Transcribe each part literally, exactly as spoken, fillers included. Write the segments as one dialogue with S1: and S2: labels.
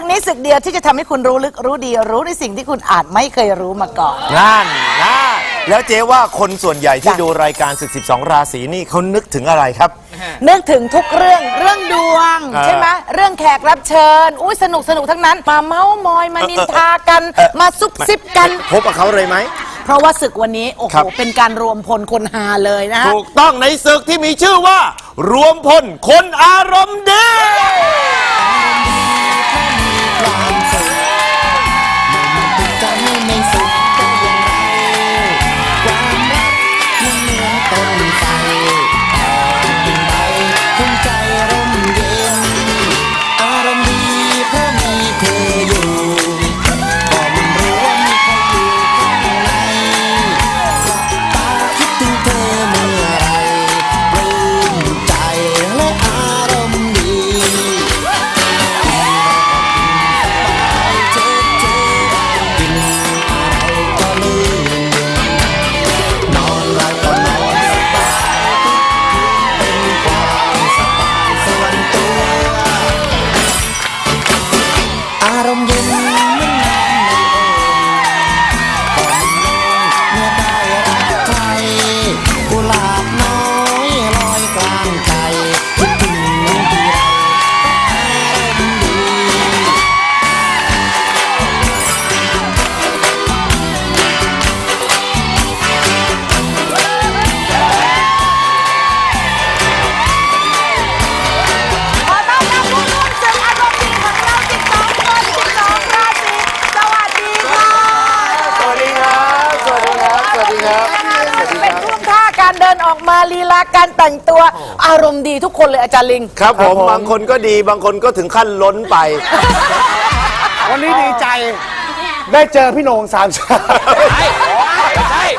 S1: นี้ศึกเดียวที่จะทำให้คุณรู้ลึกรู้ดีรู้ในสิ่งที่คุณอาจไม่เคยรู้มาก่อน
S2: นั่นนะแล้วเจ๊ว่าคนส่วนใหญ่ที่ดูรายการศึกสิบสองราศีนี่เขานึกถึงอะไรครับ
S1: นึกถึงทุกเรื่องเรื่องดวงใช่ไหมเรื่องแขกรับเชิญอุ้ยสนุกสนุกทั้งนั้นมาเม้ามอยมานินทากันมาซุบซิบกัน
S2: พบกับเขาเลยไหม
S1: เพราะว่าศึกวันนี้โอ้โหเป็นการรวมพลคนฮาเลยนะ
S2: ถูกต้องในศึกที่มีชื่อว่ารวมพลคนอารมณ์ดี
S1: เป็นท่วงท่าการเดินออกมาลีลาการแต่งตัวอารมณ์ดีทุกคนเลยอาจารย์ลิง
S2: ครับผมบางคนก็ดีบางคนก็ถึงขั้นล้นไป
S3: วันนี้ดีใจได้เจอพี่โหน่งสามชาใช่ใช่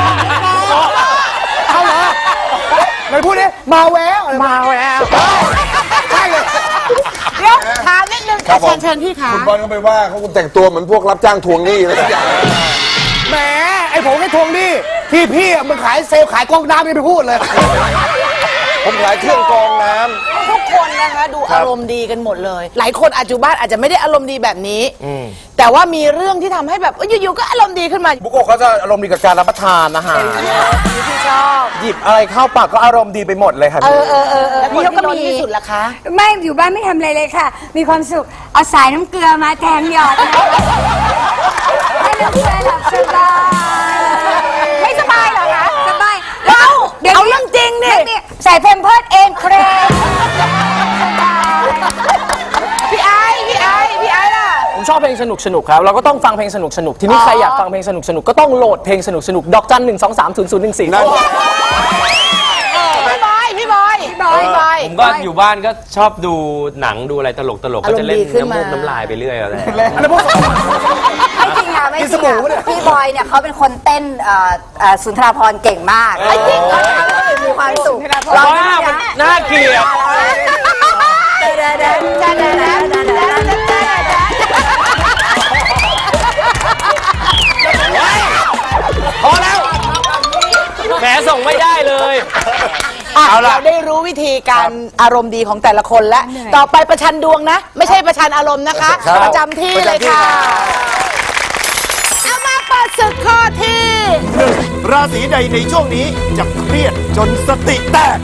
S3: เอาเหรอไหนพูดดิมาแววมาแววใช่เลย
S1: เดี๋ยวถามนิดนึงเชิญเชิญพี่ขา
S4: คุณบอลก็ไปว่าเขาคุณแต่งตัวเหมือนพวกรับจ้างทวงหนี้อะไรทุกอย่าง
S3: แหมไอ้ผมแค่ทวงหนี้ที่พี่มันขายเซลล์ขายกองน้ำไม่ไปพูดเลย
S4: ผมขายเครื่องกรองน้
S1: ำทุกคนนะคะดูอารมณ์ดีกันหมดเลยหลายคนอาจจุบ้านอาจจะไม่ได้อารมณ์ดีแบบนี้แต่ว่ามีเรื่องที่ทำให้แบบอยู่ๆก็อารมณ์ดีขึ้นมา
S3: บุโกะเขาจะอารมณ์ดีกับการรับประทานอาหาร
S1: ที่ชอบ
S3: หยิบอะไรเข้าปากก็อารมณ์ดีไปหมดเลยค่ะ
S1: เออเออเออแล้วพี่เขาก็มีที่สุดละคะ
S5: ไม่อยู่บ้านไม่ทำอะไรเลยค่ะมีความสุขเอาสายน้ำเกลือมาแทงหยอดให้น้ำเกลือหลับสบาย
S1: ไม่สบายเหรอคะ
S5: สบาย
S1: เอาเดี๋ยวเอาเรื่องจริงนี่
S5: ใส่เพมเพิร์ดเองเครม
S1: พี่ไอ้พี่ไอ้พี่ไอ้ล่ะ
S6: ผมชอบเพลงสนุกสนุกครับเราก็ต้องฟังเพลงสนุกสนุกทีนี้ใครอยากฟังเพลงสนุกสนุกก็ต้องโหลดเพลงสนุกสนุกดอกจันหนึ่งสองสามศูนย์ศูนย์หนึ่งสี่
S1: พี่บอยพี่บอยพี่บอยพี่บอย
S7: ผมก็อยู่บ้านก็ชอบดูหนังดูอะไรตลกตลกก็จะเล่นน้ำมูกน้ำลายไปเรื่อยอะไร
S5: ไม่จริงอ่ะไม่จริงอ่ะพี่บอยเนี่ยเขาเป็นคนเต้นสุนทรภรณ์เก่งมาก
S1: จริงเขา
S5: มีความสุข
S7: ร้องหน้ามันน่าเกลียดพอแล้วแหมส่งไม่ได้เลย
S1: เอาล่ะเราได้รู้วิธีการอารมณ์ดีของแต่ละคนแล้วต่อไปประชันดวงนะไม่ใช่ประชันอารมณ์นะคะประจำที่เลยค่ะเอามาเปิดศึกข้อที่
S2: หนึ่งราศีใดในช่วงนี้จะเครียดจนสติแตก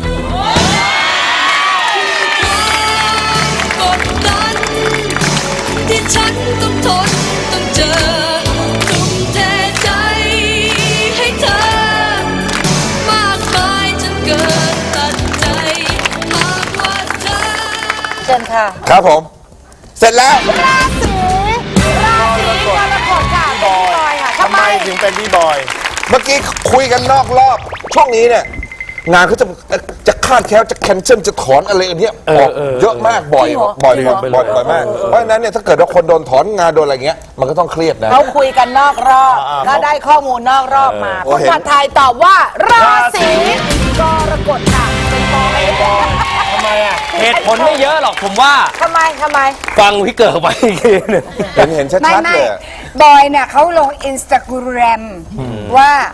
S8: กดดันที่ฉันต้องทนต้องเจอทุ่มเทใจให้เธอมากมายจนเกินตัดใจหากว่าเธอ
S1: เชิญค่ะ
S4: ครับผมเสร็จแล้ว
S1: ราศีราศีกรกฎค่ะพี่บอยค่ะ
S2: ทำไมถึงเป็นพี่บอย
S4: เมื่อกี้คุยกันนอกรอบช่วงนี้เนี่ยงานเขาจะจะคาดแคล้วจะแคนเซิลจะถอนอะไรอันเนี้ยออกเยอะมากบ่อยบ่อยบ่อยบ่อยมากเพราะฉะนั้นเนี่ยถ้าเกิดว่าคนโดนถอนงานโดนอะไรเงี้ยมันก็ต้องเครียดนะ
S1: เขาคุยกันนอกรอบก็ได้ข้อมูลนอกรอบมาคุณผัดไทยตอบว่าราศีกรกฎค่ะเป็นบอย
S7: ทำไมอ่ะเหตุผลไม่เยอะหรอกผมว่า
S1: ทำไมทำไม
S7: ฟังพี่เกิดไปอีกทีนึง
S4: เห็นเห็นชัดๆเลย
S5: บอยเนี่ยเขาลงอินสตาแกรมว่า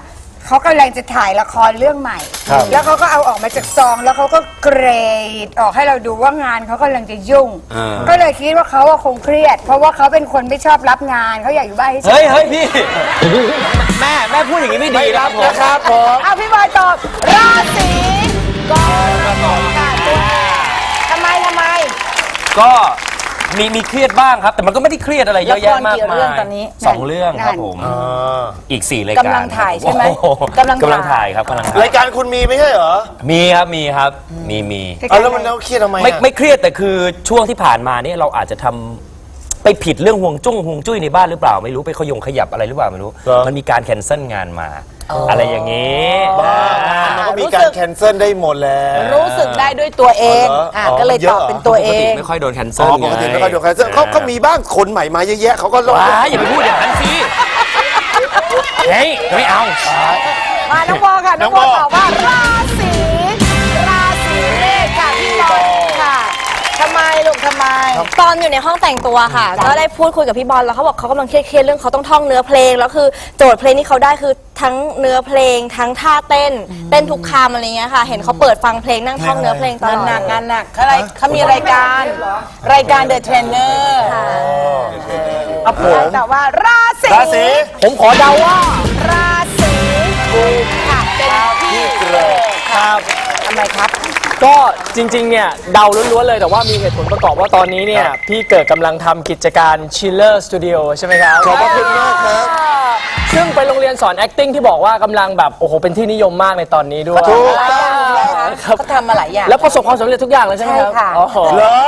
S5: เขากำลังจะถ่ายละครเรื่องใหม่ แล้วเขาก็เอาออกมาจากซอง แล้วเขาก็เกรดออกให้เราดูว่างานเขากำลังจะยุ่ง ก็เลยคิดว่าเขาคงเครียด เพราะว่าเขาเป็นคนไม่ชอบรับงานเขาอยากอยู่บ้านให้
S7: เฮ้ยเฮ้ยพี่ แม่แม่พูดอย่างนี้ไม่ดีนะครับผม
S2: นะครับผม
S1: เอาพี่บอยตอบราศีกรกฎค่ะตัวทำไมทำไม
S7: ก็มีมีเครียดบ้างครับ แต่มันก็ไม่ได้เครียดอะไรเยอะแยะมาก
S1: ละครกี่
S7: มา
S1: เรื่อง
S7: ย
S1: ตอนนี้
S7: สองเรื่องครับผม อีกสี่รายการ
S1: กำลังถ่ายใช่ไหม
S7: โอ้โ
S1: กำลังถ่าย
S7: กำลังถ่ายครับกำลังถ่าย
S2: รายการคุณมีไม่ใช่เหรอ
S7: มีครับมีครับมีมี
S2: เอาแล้วมันแล้วเครียดทำไม
S7: ไม่
S2: อะ
S7: ไม่เครียดแต่คือช่วงที่ผ่านมาเนี่ยเราอาจจะทำไปผิดเรื่องห่วงจุ้งห่วงจุ้ยในบ้านหรือเปล่าไม่รู้ไปขยงขยับอะไรหรือเปล่าไม่รู้ มันมีการแคนเซิลงานมา อะไรอย่างนี้
S2: บ้ามันก็มีการแคนเซิลได้หมดแล้ว
S1: รู้สึกได้ด้วยตัวเอง
S2: อ๋อเหรออ๋
S1: อ่ะ
S2: อ
S1: ก็เลย
S2: เย
S1: ต
S2: อะ
S1: อบ
S2: เหรอ
S1: เป็นตัวเอ
S7: ปกติ
S1: ง
S7: ไม่ค่อยโดนแคน
S2: อ๋
S7: เซิล
S2: อปกติไม่ค่อยดูแคนเซิลเขาเขามีบ้างคนใหม่มาเยอะแยะเขาก็ลง
S7: ว้าอย่าไปพูดอย่างนั้นสิเฮ้ยไม่เอา
S1: มาน้องบอค่ะ น้องบอตอบว่าราศีราศีเมษค่ะพี่บอลค่ะทำไมลูกทำไม
S9: ตอนอยู่ในห้องแต่งตัวค่ะ ก็ได้พูดคุยกับพี่บอลแล้วเขาบอกเขากำลังเครียดๆเรื่องเขาต้องท่องเนื้อเพลงแล้วคือโจทย์เพลงที่เขาได้คือทั้งเนื้อเพลง ทั้งท่าเต้น เต้นทุกคำอะไรเงี้ยค่ะ เห็นเขาเปิดฟังเพลงนั่งท่องเนื้อเพลงตล
S1: งาน
S9: อด
S1: หนักงานหนักเขาอะไรเขามีรายการ รายการ The Trainer
S2: ครับผม
S1: แต่ว่าราศี
S2: ราศี
S6: ผมขอเดาว่า
S1: ราศีกุมค่ะเป็นพี่เกรดครับทำไมครับ
S6: ก็จริงๆ เนี่ยเดาล้วนๆเลยแต่ว่ามีเหตุผลประกอบว่าตอนนี้เนี่ย พี่เกิดกำลังทำกิจการ Chiller Studio ใช่ไหมครับ
S4: ขอบพระคุณมากครับ
S6: ซึ่งเป็นโรงเรียนสอน acting ที่บอกว่ากำลังแบบ โอ้โห เป็นที่นิยมมากในตอนนี้ด้วย
S2: ถูก
S6: ครับ
S1: เขาทำมาหลายอย่าง
S6: แล้วประสบความสำเร็จทุกอย่างเลยใช่ไหมครับ
S1: ใช่ค่ะ
S6: อ๋อ
S2: เหรอ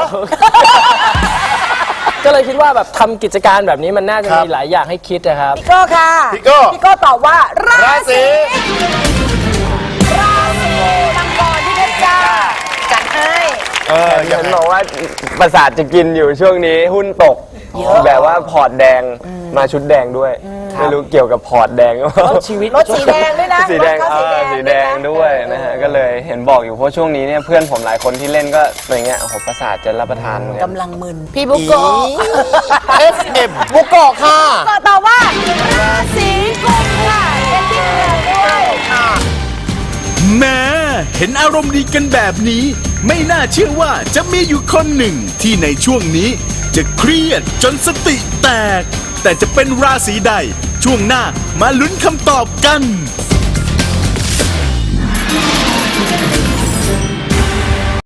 S6: ก็เลยคิดว่าแบบทำกิจการแบบนี้มันน่าจะ
S2: ครับ
S6: มีหลายอย่างให้คิดนะครับ
S1: พี่โก้ค่ะ
S2: พี่โก้
S1: พี่โก้ตอบว่ารา
S2: ราศี
S1: ราศีมังกรที่เพชรจ้าจัดให้
S2: เอออ
S10: เห็
S2: ย่าง
S10: นบอกว่าประสาทจะกินอยู่ช่วงนี้หุ้นตก แบบว่าพอร์ตแดงมาชุดแดงด้วย ไม่รู้เกี่ยวกับพอร์ตแดงหรือเปล่า
S6: ชีวิต
S1: รถสีแดงด้วยนะ
S10: สีแดง
S1: รถ
S10: เอ
S1: เขา
S10: อสีแดงด้วยนะฮะก็เลยเห็นบอกอยู่เพราะช่วงนี้เนี่ยเพื่อนผมหลายคนที่เล่นก็อย่างเงี้ยโอ้โหประสาทจะรับประทานเหมือนกัน
S1: กำลังมึน พี่บุโกะ
S2: เอฟเอ็มบุโกะค่ะ
S1: ก็ตอบว่าราศีกุมค่ะเป็นที่เกิดด้วยค่ะ
S11: แม้เห็นอารมณ์ดีกันแบบนี้ ไม่น่าเชื่อว่าจะมีอยู่คนหนึ่งที่ในช่วงนี้จะเครียดจนสติแตก แต่จะเป็นราศีใด ช่วงหน้ามาลุ้นคำตอบกัน